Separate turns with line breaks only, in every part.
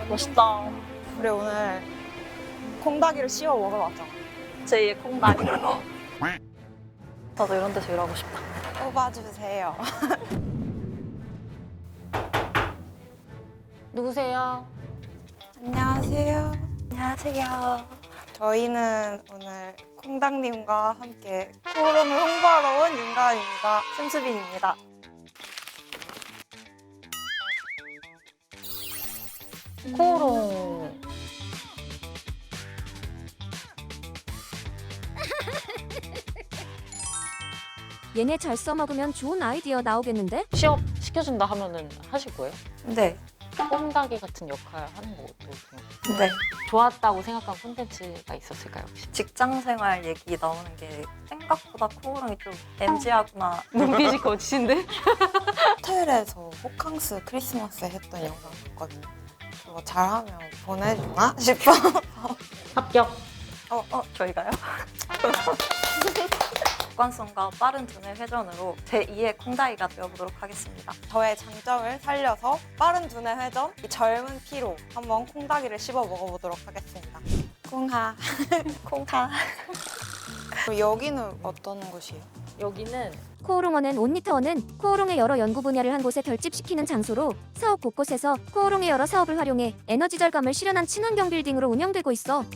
멋있다.
우리 오늘 콩닭이를 씌워 먹으러 왔잖아.
제2의 콩닭이. 나도 이런 데서 일하고 싶다.
뽑아주세요.
누구세요?
안녕하세요.
안녕하세요.
저희는 오늘 콩닭님과 함께 코롱을 홍보하러 온 윤가은입니다. 심수빈입니다.
코오롱.
얘네 잘 써먹으면 좋은 아이디어 나오겠는데?
취업 시켜준다 하면은 하실 거예요?
네.
꼼다기 같은 역할 하는 것도 좀
네.
좋았다고 생각한 콘텐츠가 있었을까요 혹시?
직장 생활 얘기 나오는 게 생각보다 코오롱이 좀 MG하구나.
눈빛이 거치신데?
호텔에서 호캉스 크리스마스에 했던 영상 봤거든요. 그거 잘하면 보내주나 싶어.
합격!
저희가요? 객관성과 빠른 두뇌 회전으로 제2의 콩다이가 되어보도록 하겠습니다.
저의 장점을 살려서 빠른 두뇌 회전, 이 젊은 피로 한번 콩닭이를 씹어 먹어보도록 하겠습니다. 콩하.
콩다.
그럼 여기는 어떤 곳이에요?
여기는
코오롱원은 온리터원은 코오롱의 여러 연구 분야를 한 곳에 결집시키는 장소로 사업 곳곳에서 코오롱의 여러 사업을 활용해 에너지 절감을 실현한 친환경 빌딩으로 운영되고 있어.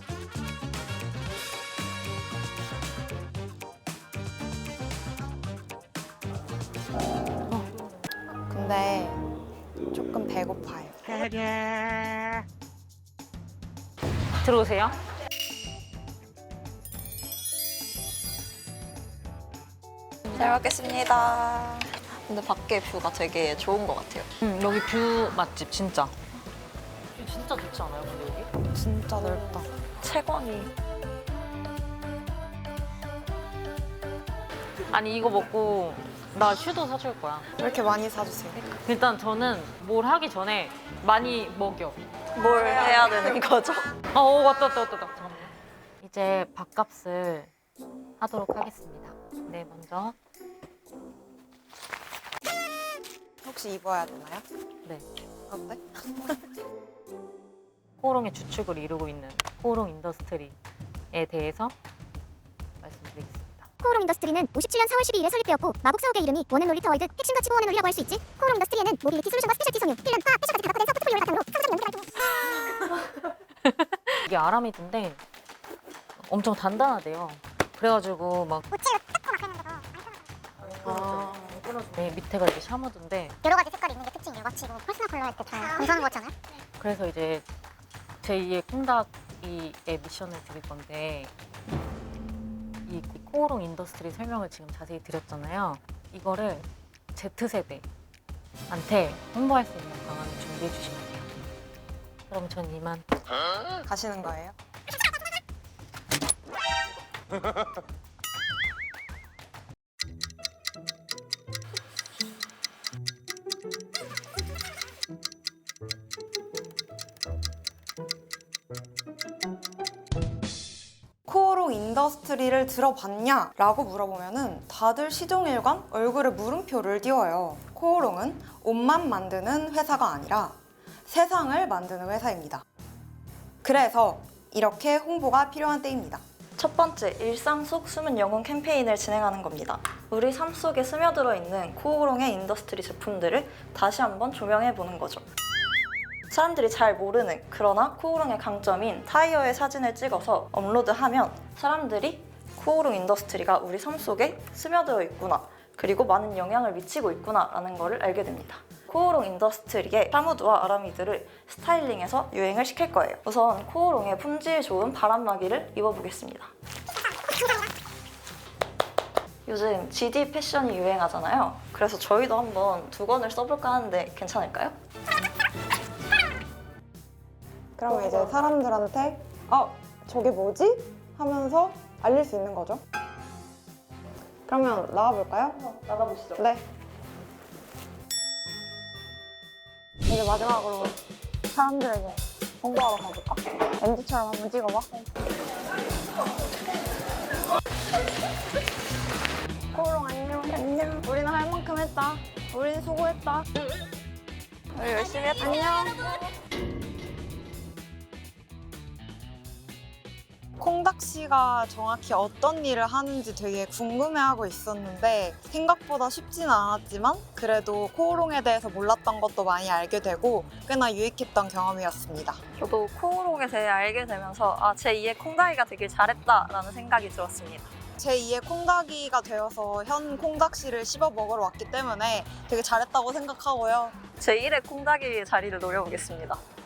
근데 조금 배고파요.
들어오세요.
잘 먹겠습니다. 근데 밖에 뷰가 되게 좋은 것 같아요.
여기 뷰 맛집 진짜. 뷰 진짜 좋지 않아요 근데 여기?
진짜 넓다.
채광이.
아니 이거 먹고 나 슈도 사줄 거야.
왜 이렇게 많이 사주세요?
일단 저는 뭘 하기 전에 많이 먹여.
뭘 해야 되는 거죠?
왔다. 잠깐만요. 이제 밥값을 하도록 하겠습니다. 네, 먼저.
혹시 입어야 되나요?
네.
어때?
코오롱의 주축을 이루고 있는 코오롱 인더스트리에 대해서 말씀드리겠습니다.
코오롱 인더스트리는 57년 4월 12일에 설립되었고 마곡 사옥의 이름이 원앤 놀리터 월드 핵심 가치 보원의 논리라고 할 수 있지. 코오롱 인더스트리에는 모빌리티 솔루션과 스페셜티 섬유, 필름, 화학, 패션까지 다 갖춰낸 서브 포트폴리오를 바탕으로 상상 연구 활동.
이게 아라미드인데 엄청 단단하대요. 그래가지고 막
우체로 뜯고 막 하는 거죠.
네, 밑에가 이렇게 샤머드인데
여러 가지 색깔이 있는 게 특징이에요. 마치 뭐 퍼스널 컬러 할 때 다 공사하는 거잖아요.
그래서 이제 제2의 콩닭이의 미션을 드릴 건데 이 코오롱 인더스트리 설명을 지금 자세히 드렸잖아요. 이거를 Z세대한테 홍보할 수 있는 방안을 준비해 주시면 돼요. 그럼 전 이만.
가시는 거예요? 코오롱 인더스트리를 들어봤냐? 라고 물어보면은 다들 시종일관 얼굴에 물음표를 띄워요. 코오롱은 옷만 만드는 회사가 아니라 세상을 만드는 회사입니다. 그래서 이렇게 홍보가 필요한 때입니다.
첫 번째, 일상 속 숨은 영혼 캠페인을 진행하는 겁니다. 우리 삶 속에 스며들어 있는 코오롱의 인더스트리 제품들을 다시 한번 조명해 보는 거죠. 사람들이 잘 모르는, 그러나 코오롱의 강점인 타이어의 사진을 찍어서 업로드하면 사람들이 코오롱 인더스트리가 우리 삶 속에 스며들어 있구나, 그리고 많은 영향을 미치고 있구나 라는 것을 알게 됩니다. 코오롱 인더스트리의 샤무드와 아라미드를 스타일링해서 유행을 시킬 거예요. 우선 코오롱의 품질 좋은 바람막이를 입어보겠습니다. 요즘 GD 패션이 유행하잖아요. 그래서 저희도 한번 두 권을 써볼까 하는데 괜찮을까요?
그럼 이제 사람들한테 저게 뭐지? 하면서 알릴 수 있는 거죠. 그러면 나와볼까요?
나가보시죠.
네. 이제 마지막으로 사람들에게 홍보하러 가볼까? MZ처럼 한번 찍어봐. 코오롱 안녕. 안녕. 우리는 할 만큼 했다. 우린 수고했다.
우리 열심히 했다.
안녕. 콩닥 씨가 정확히 어떤 일을 하는지 되게 궁금해하고 있었는데 생각보다 쉽지는 않았지만 그래도 코오롱에 대해서 몰랐던 것도 많이 알게 되고 꽤나 유익했던 경험이었습니다.
저도 코오롱에 대해 알게 되면서 제2의 콩다이가 되길 잘했다라는 생각이 들었습니다.
제2의 콩닥이가 되어서 현 콩닥 씨를 씹어 먹으러 왔기 때문에 되게 잘했다고 생각하고요.
제1의 콩다이의 자리를 노려보겠습니다.